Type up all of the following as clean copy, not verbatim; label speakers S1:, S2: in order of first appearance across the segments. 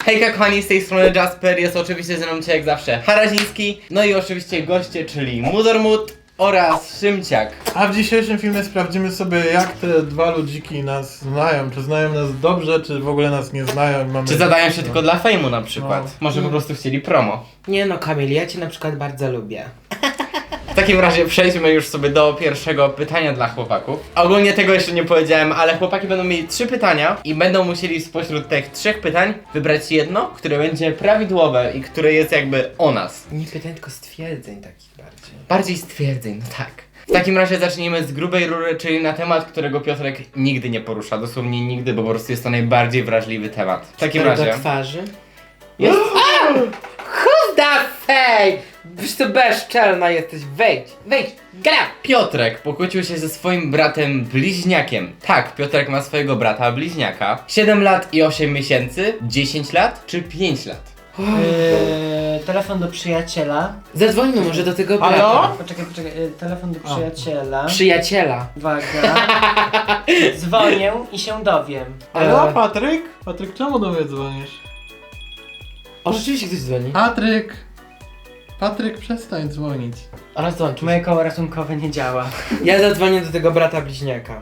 S1: Hejka kochani, z tej strony Jasper, jest oczywiście ze mną dzisiaj jak zawsze Haraziński, no i oczywiście goście, czyli Mudormut oraz Szymciak.
S2: A w dzisiejszym filmie sprawdzimy sobie, jak te dwa ludziki nas znają. Czy znają nas dobrze, czy w ogóle nas nie znają. Mamy...
S1: Czy zadają się tylko dla fejmu na przykład?
S2: No.
S1: Może po prostu chcieli promo.
S3: Nie no, Kamil, ja cię na przykład bardzo lubię.
S1: W takim razie przejdźmy już sobie do pierwszego pytania dla chłopaków. Ogólnie tego jeszcze nie powiedziałem, ale chłopaki będą mieli 3 pytania i będą musieli spośród tych 3 pytań wybrać jedno, które będzie prawidłowe i które jest jakby o nas.
S3: Nie pytań, tylko stwierdzeń takich bardziej.
S1: Bardziej stwierdzeń, no tak. W takim razie zacznijmy z grubej rury, czyli na temat, którego Piotrek nigdy nie porusza. Dosłownie nigdy, bo po prostu jest to najbardziej wrażliwy temat. W takim razie...
S3: Do twarzy?
S1: Jest...
S3: Who's that fake? Wiesz to bezczelna jesteś, wejdź, gra!
S1: Piotrek pokłócił się ze swoim bratem bliźniakiem. Tak, Piotrek ma swojego brata bliźniaka. 7 lat i 8 miesięcy, 10 lat czy 5 lat?
S4: Telefon do przyjaciela.
S3: Zadzwońmy może do tego brata.
S1: Halo?
S4: Poczekaj, telefon do przyjaciela.
S3: Przyjaciela.
S4: Uwaga. Dzwonię i się dowiem.
S2: Halo, Patryk? Patryk, czemu do mnie dzwonisz?
S3: O, rzeczywiście ktoś dzwoni.
S2: Patryk, przestań dzwonić.
S3: Rozłączył się.
S4: Moje koło ratunkowe nie działa.
S3: Ja zadzwonię do tego brata bliźniaka.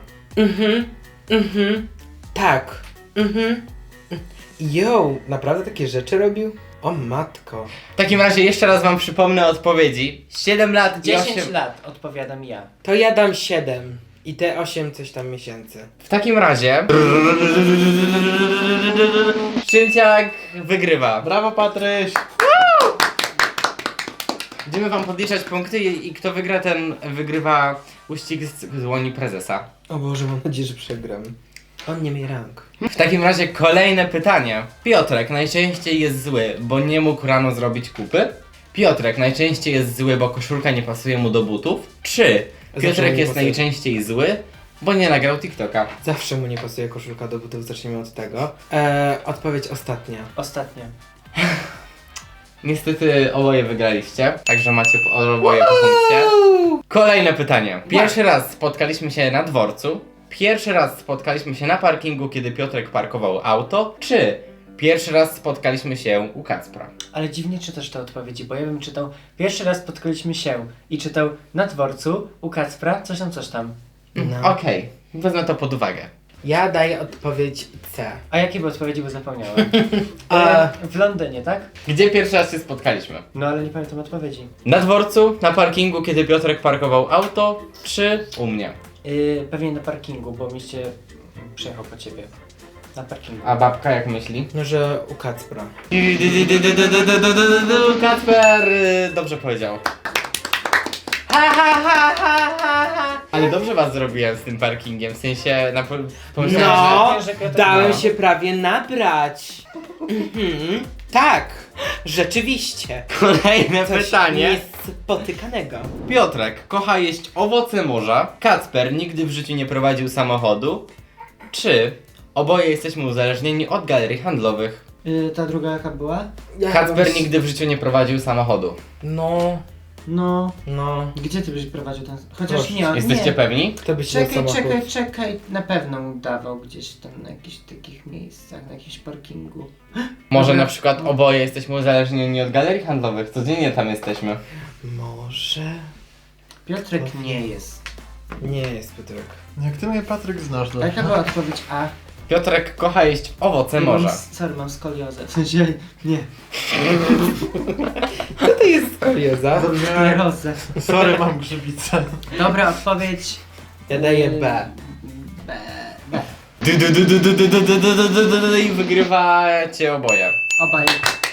S3: Tak. Yo, naprawdę takie rzeczy robił? O matko.
S1: W takim razie jeszcze raz wam przypomnę odpowiedzi. 7 lat i 8...
S4: 10 lat, odpowiadam ja.
S3: To ja dam 7. I te 8 coś tam miesięcy.
S1: W takim razie... Szymciak wygrywa.
S2: Brawo, Patryś!
S1: Będziemy wam podliczać punkty i kto wygra, ten wygrywa uścisk z dłoni prezesa.
S3: O Boże, mam nadzieję, że przegram. On nie ma rąk.
S1: W takim razie kolejne pytanie. Piotrek najczęściej jest zły, bo nie mógł rano zrobić kupy? Piotrek najczęściej jest zły, bo koszulka nie pasuje mu do butów? Czy
S3: Zawsze
S1: Piotrek
S3: mu nie
S1: jest
S3: pasuje.
S1: najczęściej zły, bo nie nagrał TikToka?
S3: Zawsze mu nie pasuje koszulka do butów, zacznijmy od tego. Odpowiedź ostatnia.
S4: Ostatnio.
S1: Niestety oboje wygraliście, także macie oboje po punkcie. Kolejne pytanie. Pierwszy raz spotkaliśmy się na dworcu. Pierwszy raz spotkaliśmy się na parkingu, kiedy Piotrek parkował auto. Czy pierwszy raz spotkaliśmy się u Kacpra?
S4: Ale dziwnie czytasz te odpowiedzi, bo ja bym czytał pierwszy raz spotkaliśmy się i czytał na dworcu u Kacpra, coś tam.
S3: No.
S1: Okej, wezmę to pod uwagę.
S3: Ja daję odpowiedź C.
S4: A jakie były odpowiedzi, bo zapomniałem.
S3: A-
S4: W Londynie, tak?
S1: Gdzie pierwszy raz się spotkaliśmy?
S4: No ale nie pamiętam odpowiedzi.
S1: Na dworcu, na parkingu, kiedy Piotrek parkował auto, czy u mnie?
S4: Pewnie na parkingu, bo mieście przyjechał po ciebie. Na parkingu.
S1: A babka jak myśli?
S3: No, że u Kacpra.
S1: Kacper dobrze powiedział. Ale dobrze was zrobiłem z tym parkingiem, w sensie pomyślałem,
S3: No,
S4: że- że-
S3: dałem
S1: no.
S3: się prawie nabrać. Tak, rzeczywiście.
S1: że... Kolejne
S3: Coś
S1: pytanie.
S3: niespotykanego.
S1: Piotrek kocha jeść owoce morza. Kacper nigdy w życiu nie prowadził samochodu. Czy oboje jesteśmy uzależnieni od galerii handlowych?
S4: Ta druga jaka była?
S1: Kacper nigdy w życiu nie prowadził samochodu.
S3: No,
S4: No, gdzie ty byś prowadził ten... Chociaż
S3: Proszę,
S4: nie,
S1: Jesteście
S4: nie.
S1: pewni?
S3: kto by się na samochód?
S4: Czekaj, na pewno udawał gdzieś tam na jakichś takich miejscach, na jakimś parkingu.
S1: Może
S4: Dobra.
S1: na przykład oboje jesteśmy uzależnieni od galerii handlowych. Codziennie tam jesteśmy.
S3: Może?
S4: Piotrek nie jest.
S3: Nie jest Piotrek.
S2: Jak ty mnie, Patryk, znasz,
S4: A jaka była odpowiedź A?
S1: Piotrek kocha jeść owoce
S4: Ja
S1: morza.
S4: mam skoliozę. W sensie, nie.
S3: Co to jest skolioza?
S4: Sklerozę.
S2: Sorry, mam grzybicę.
S4: Dobra, odpowiedź...
S3: Ja daję B.
S4: B.
S1: I wygrywacie oboje.
S4: Obaj.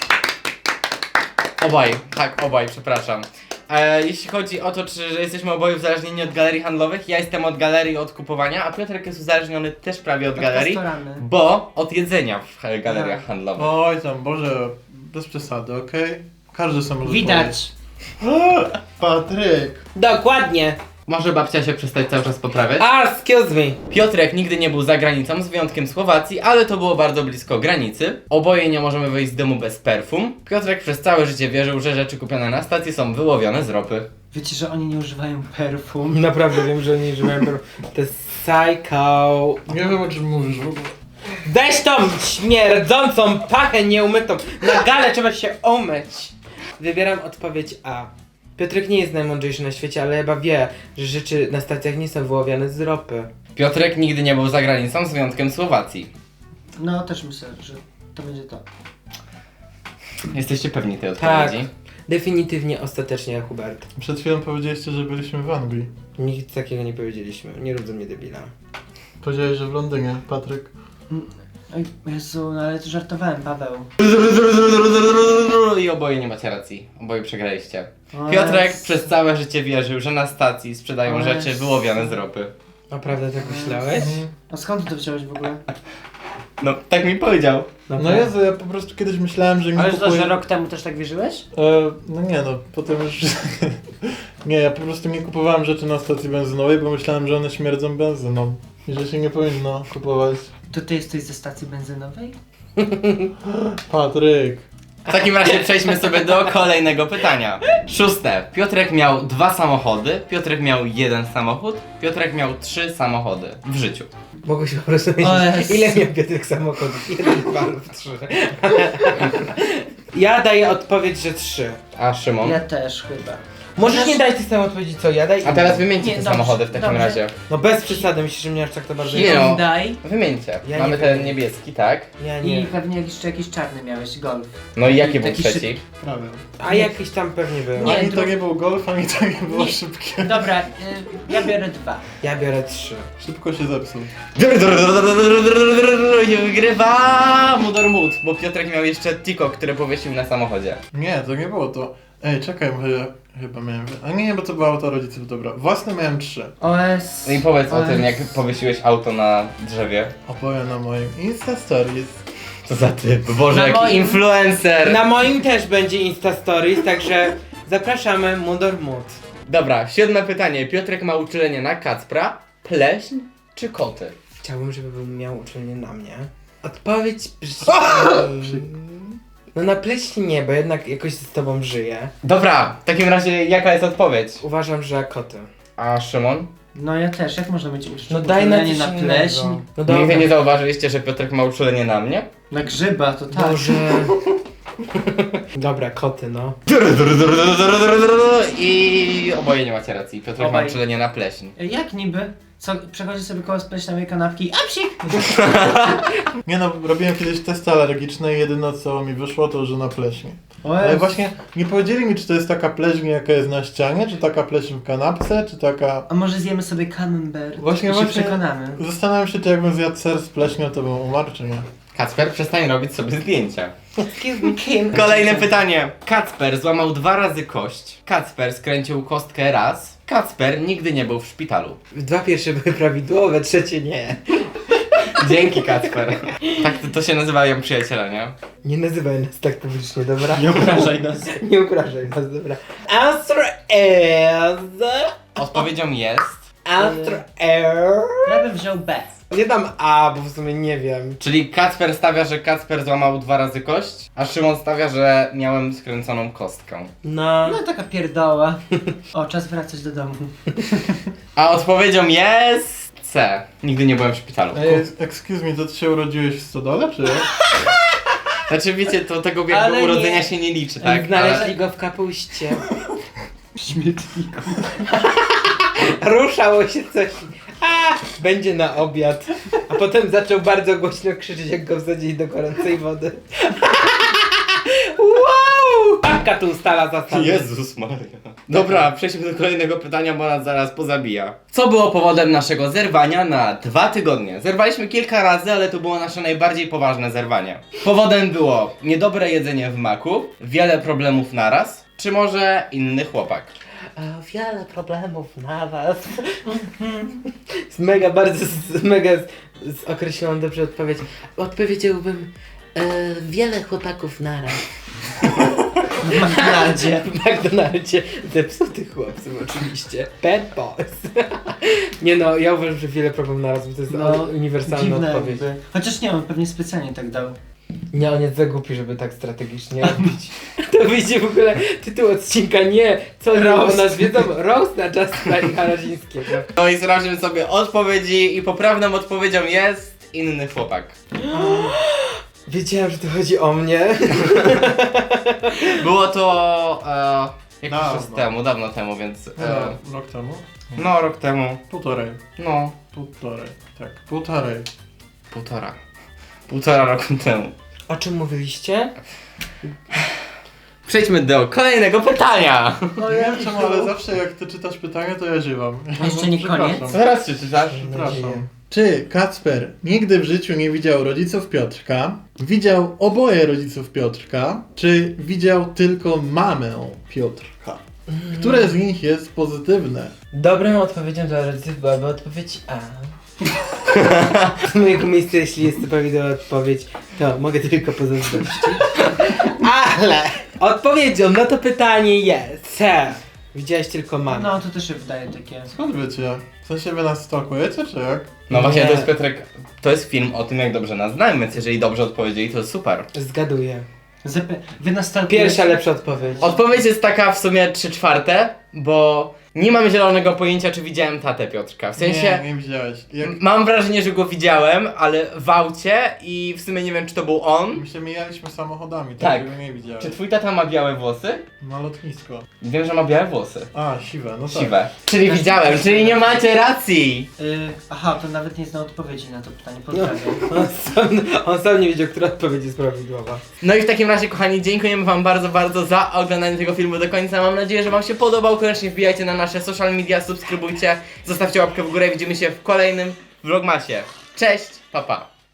S1: Obaj, przepraszam. Jeśli chodzi o to, czy że jesteśmy oboje uzależnieni od galerii handlowych, ja jestem od galerii od kupowania, a Piotrek jest uzależniony też prawie od galerii,
S4: Restorany.
S1: bo od jedzenia w galeriach
S4: Aha.
S1: handlowych.
S2: Oj tam, Boże, bez przesady, okej? Każdy sam może
S4: Widać.
S2: powiedzieć. Patryk!
S3: Dokładnie.
S1: Może babcia się przestać cały czas poprawiać?
S3: Excuse me.
S1: Piotrek nigdy nie był za granicą, z wyjątkiem Słowacji, ale to było bardzo blisko granicy. Oboje nie możemy wyjść z domu bez perfum. Piotrek przez całe życie wierzył, że rzeczy kupione na stacji są wyłowione z ropy.
S4: Wiecie, że oni nie używają perfum?
S3: Naprawdę wiem, że nie używałem. To jest psycho.
S2: Nie wiem, o czym mówisz w ogóle.
S3: Weź tą śmierdzącą pachę nieumytą. Na galę trzeba się umyć. Wybieram odpowiedź A. Piotrek nie jest najmądrzejszy na świecie, ale chyba wie, że rzeczy na stacjach nie są wyławiane z ropy.
S1: Piotrek nigdy nie był za granicą, z wyjątkiem Słowacji.
S4: No też myślę, że to będzie to.
S1: Jesteście pewni tej
S3: Tak.
S1: odpowiedzi?
S3: Definitywnie, ostatecznie, Hubert.
S2: Przed chwilą powiedzieliście, że byliśmy w Anglii.
S3: Nic takiego nie powiedzieliśmy. Nie rób ze mnie debila.
S2: Powiedziałeś, że w Londynie, Patryk.
S4: Oj, Jezu, no ale to żartowałem, Paweł.
S1: I oboje nie macie racji. Oboje przegraliście.
S4: O
S1: Piotrek
S4: Jezu.
S1: przez całe życie wierzył, że na stacji sprzedają
S4: O
S1: rzeczy
S4: Jezu.
S1: wyłowiane z ropy.
S3: Naprawdę tak myślałeś?
S4: A skąd ty to wziąłeś w ogóle?
S1: No, tak mi powiedział.
S2: No Jezu, ja po prostu kiedyś myślałem, że mi
S4: Ale to,
S2: kupuje...
S4: że rok temu też tak wierzyłeś?
S2: No nie no, potem już... nie, ja po prostu nie kupowałem rzeczy na stacji benzynowej, bo myślałem, że one śmierdzą benzyną. I że się nie powinno kupować.
S4: To ty jesteś ze stacji benzynowej?
S2: Patryk.
S1: W takim razie przejdźmy sobie do kolejnego pytania. 6. Piotrek miał 2 samochody, Piotrek miał 1 samochód, Piotrek miał 3 samochody w życiu.
S3: Mogę się po prostu
S4: O
S3: myśleć,
S4: Jezu.
S3: ile miał Piotrek samochodów? 1, 2 lub 3. Ja daję odpowiedź, że 3.
S1: A Szymon?
S4: Ja też chyba.
S3: Możesz nie dać tej samej odpowiedzi co ja, daj
S1: A teraz wymieńcie
S4: Nie,
S1: te
S4: dobrze,
S1: samochody w takim
S4: dobrze.
S1: razie.
S3: No bez przesady, myślisz, że mnie aż tak to bardzo...
S1: Nie no.
S4: Daj.
S1: Wymieńcie.
S3: Ja
S1: Mamy
S3: nie
S1: ten
S3: wiem.
S1: niebieski, tak?
S3: Ja
S4: I
S3: nie.
S4: pewnie jeszcze jakiś czarny miałeś, golf.
S1: No i jaki był
S4: Taki
S1: trzeci?
S2: Prawie.
S3: A jakiś tam pewnie był.
S4: Nie,
S2: Ani to
S4: dru-
S2: nie był golf, ani to nie było
S4: Nie.
S2: szybkie.
S4: Dobra, ja biorę 2.
S3: Ja biorę 3.
S2: Szybko się zepsuł.
S1: Nie wygrywa Mudormut, bo Piotrek miał jeszcze Tiko, który powiesił na samochodzie.
S2: Nie, to nie było to. Ej, czekaj, bo ja chyba miałem... A nie, bo to było auto rodziców, dobra. Własne miałem 3.
S4: OS.
S1: No i powiedz o tym, jak powiesiłeś auto na drzewie.
S2: Opowiem na moim Insta Stories.
S1: Co za typ? Boże,
S4: Na
S1: jaki
S4: moim-
S1: influencer!
S3: Na moim też będzie Insta Stories, także zapraszamy Mudormut.
S1: Dobra, 7 pytanie. Piotrek ma uczulenie na kacpra, pleśń czy koty?
S3: Chciałbym, żeby miał uczelnię na mnie. Odpowiedź no na pleśni nie, bo jednak jakoś z tobą żyję.
S1: Dobra, w takim razie jaka jest odpowiedź?
S3: Uważam, że koty.
S1: A Szymon?
S4: No ja też, jak można mieć
S3: No daj na coś
S4: na
S3: innego.
S4: pleśń?
S3: No dobra.
S1: Nigdy nie zauważyliście, że Piotrek ma uczulenie na mnie?
S4: Na grzyba, to tak.
S3: Boże. Dobra, koty no.
S1: I oboje nie macie racji. Piotrek ma
S4: Obaj.
S1: uczulenie na pleśń.
S4: Jak niby? Co, przechodzi sobie koło spleśniowej kanapki, a psik!
S2: Nie no, robiłem kiedyś testy alergiczne i jedyne co mi wyszło to, że na pleśni. Ale właśnie nie powiedzieli mi, czy to jest taka pleśń, jaka jest na ścianie, czy taka pleśń w kanapce, czy taka...
S4: A może zjemy sobie camembert
S2: Właśnie,
S4: i się
S2: właśnie.
S4: przekonamy.
S2: Zastanawiam się, czy jakbym zjadł ser z pleśnią, to bym umarł, czy nie.
S1: Kacper, przestań robić sobie zdjęcia.
S3: Excuse me, Kim.
S1: Kolejne pytanie. Kacper złamał 2 razy kość. Kacper skręcił kostkę raz. Kacper nigdy nie był w szpitalu.
S3: 2 pierwsze były prawidłowe, trzecie nie.
S1: Dzięki, Kacper. Tak to się nazywają przyjaciele, nie?
S3: Nie nazywaj nas tak publicznie, dobra?
S4: Nie obrażaj nas.
S3: Nie obrażaj nas, dobra. Answer is...
S1: Odpowiedzią jest...
S3: Answer air.
S4: Ja bym wziął B.
S3: Nie dam A, bo w sumie nie wiem.
S1: Czyli Kacper stawia, że Kacper złamał 2 razy kość, a Szymon stawia, że miałem skręconą kostkę.
S3: No.
S4: No taka pierdoła. O, czas wracać do domu.
S1: A odpowiedzią jest... C. Nigdy nie byłem w szpitalu.
S2: Ej, excuse me, to ty się urodziłeś w stodole, czy jak?
S1: Znaczy wiecie, to tego jakby
S4: Ale nie.
S1: urodzenia się nie liczy, tak?
S3: Znaleźli go w kapuście.
S4: Śmietniku.
S3: Ruszało się coś. A, będzie na obiad. A potem zaczął bardzo głośno krzyczeć, jak go wsadzili do gorącej wody. Wow! Babka tu ustala zasady.
S1: Jezus Maria. Dobra, przejdźmy do kolejnego pytania, bo nas zaraz pozabija. Co było powodem naszego zerwania na 2 tygodnie? Zerwaliśmy kilka razy, ale to było nasze najbardziej poważne zerwanie. Powodem było niedobre jedzenie w maku, wiele problemów naraz, czy może inny chłopak?
S3: Wiele problemów na was. Z mega, bardzo, określoną dobrze odpowiedź. Odpowiedziałbym wiele chłopaków naraz.
S4: W McDonaldzie.
S3: W McDonaldzie zepsutych chłopców oczywiście. Bad boys. Nie no, ja uważam, że wiele problemów naraz, bo to jest uniwersalna
S4: dziwne
S3: odpowiedź.
S4: jakby. Chociaż nie, on pewnie specjalnie tak dał.
S3: Nie, on jest za głupi, żeby tak strategicznie robić. To wyjdzie w ogóle tytuł odcinka, nie, co
S4: Roast.
S3: o nas wiedzą, roast na Justina i Harazińskiego.
S1: No i sprawdźmy sobie odpowiedzi i poprawną odpowiedzią jest... inny chłopak.
S3: Wiedziałem, że to chodzi o mnie.
S1: Było to jakiś
S2: Dawno.
S1: czas temu, dawno temu, więc
S2: Rok temu?
S1: no rok temu,
S2: Półtorej.
S1: no
S2: Półtorej. Tak, półtorej.
S1: półtora roku temu.
S3: O czym mówiliście?
S1: Przejdźmy do kolejnego pytania.
S2: No nie wiem czemu, ale zawsze jak ty czytasz pytanie, to ja ziewam.
S4: Jeszcze nie
S2: Przepraszam.
S4: koniec?
S1: Zaraz się czytasz.
S2: Przepraszam. Czy Kacper nigdy w życiu nie widział rodziców Piotrka? Widział oboje rodziców Piotrka? Czy widział tylko mamę Piotrka? Które z nich jest pozytywne?
S3: Dobrą odpowiedzią dla rodziców byłaby odpowiedź A. Z mojego miejsca, jeśli jest to prawidłowa odpowiedź, to mogę tylko pozazdrościć. Ale odpowiedzią na to pytanie jest C. Widziałeś tylko mamę.
S4: No, to też się wydaje takie.
S2: Skąd wiecie? W sensie wy nas stalkujecie, czy jak?
S1: No właśnie,
S3: Nie.
S1: to jest Piotrek, to jest film o tym, jak dobrze nas znamy, więc jeżeli dobrze odpowiedzieli, to jest super.
S3: Zgaduję.
S4: Wy nas stalkujecie?
S3: Pierwsza lepsza odpowiedź.
S1: Odpowiedź jest taka w sumie 3/4, bo nie mam zielonego pojęcia, czy widziałem tatę Piotrka. W sensie,
S2: Nie widziałeś. Jak...
S1: mam wrażenie, że go widziałem, ale w aucie i w sumie nie wiem, czy to był on.
S2: My się mijaliśmy samochodami,
S1: Tak.
S2: tak, że nie widziałeś.
S1: Czy twój tata ma białe włosy?
S2: Na lotnisko.
S1: Wiem, że ma białe włosy.
S2: A, siwe, no tak.
S1: Siwe. Czyli widziałem, czyli nie macie racji!
S4: Aha, to nawet nie znał odpowiedzi na to pytanie.
S3: No,
S4: Pozdrawiam.
S3: on sam nie wiedział, która odpowiedź jest prawidłowa.
S1: No i w takim razie, kochani, dziękujemy wam bardzo, bardzo za oglądanie tego filmu do końca. Mam nadzieję, że wam się podobał. Koniecznie wbijajcie na nasze social media, subskrybujcie, zostawcie łapkę w górę. Widzimy się w kolejnym vlogmasie. Cześć, pa pa!